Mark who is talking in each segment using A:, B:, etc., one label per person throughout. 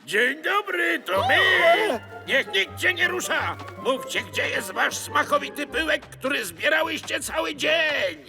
A: Dzień dobry, to my! Niech nikt cię nie rusza! Mówcie, gdzie jest wasz smakowity pyłek, który zbierałyście cały dzień!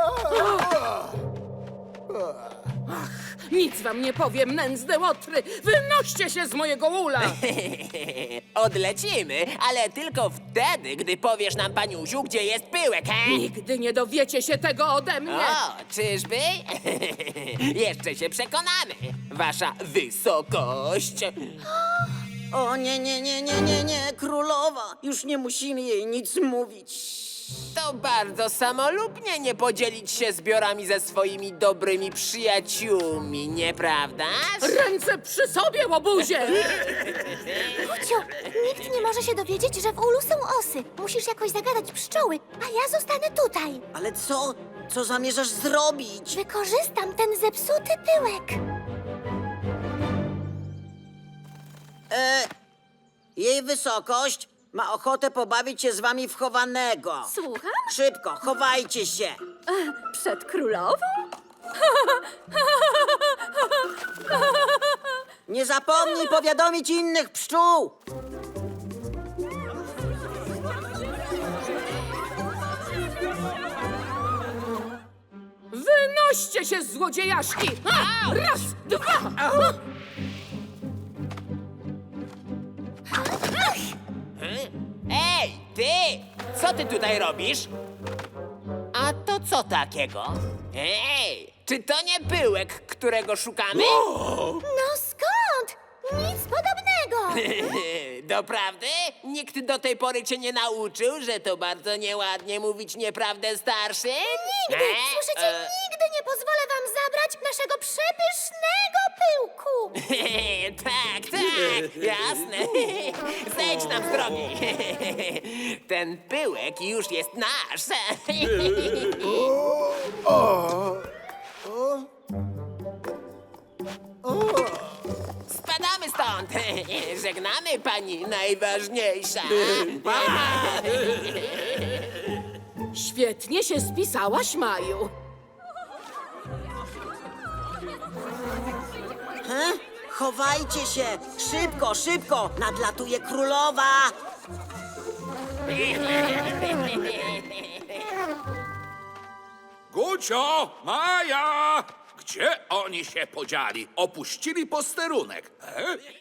B: Nic wam nie powiem, nędzne łotry! Wynoście się z mojego ula!
C: Odlecimy, ale tylko wtedy, gdy powiesz nam, paniusiu, gdzie jest pyłek, he?
B: Nigdy nie dowiecie się tego ode mnie!
C: O, czyżby? Jeszcze się przekonamy, wasza wysokość.
D: O nie, nie, nie, nie, nie, nie, królowa! Już nie musimy jej nic mówić.
C: To bardzo samolubnie nie podzielić się zbiorami ze swoimi dobrymi przyjaciółmi, nieprawdaż?
B: Ręce przy sobie, łobuzie!
E: Ciu, nikt nie może się dowiedzieć, że w ulu są osy. Musisz jakoś zagadać pszczoły, a ja zostanę tutaj.
D: Ale co? Co zamierzasz zrobić?
E: Wykorzystam ten zepsuty pyłek.
D: Jej wysokość ma ochotę pobawić się z wami w chowanego.
E: Słucham?
D: Szybko, chowajcie się.
E: Przed królową?
D: Nie zapomnij powiadomić innych pszczół.
B: Wynoście się, złodziejaszki! A! Raz, dwa!
C: Ej, ty! Co ty tutaj robisz? A to co takiego? Ej, czy to nie pyłek, którego szukamy?
E: No skąd? Nic podobnego.
C: Doprawdy? Nikt do tej pory cię nie nauczył, że to bardzo nieładnie mówić nieprawdę starszym?
E: Nigdy, słyszycie, nigdy nie pozwolę wam zabrać naszego przepysznego pyłku.
C: Tak, tak, jasne. Zejdź nam z drogi. Ten pyłek już jest nasz. Spadamy stąd. Żegnamy, pani najważniejsza.
B: Świetnie się spisałaś, Maju.
D: Chowajcie się. Szybko, szybko. Nadlatuje królowa.
A: Gucio, Maja! Gdzie oni się podzieli? Opuścili posterunek.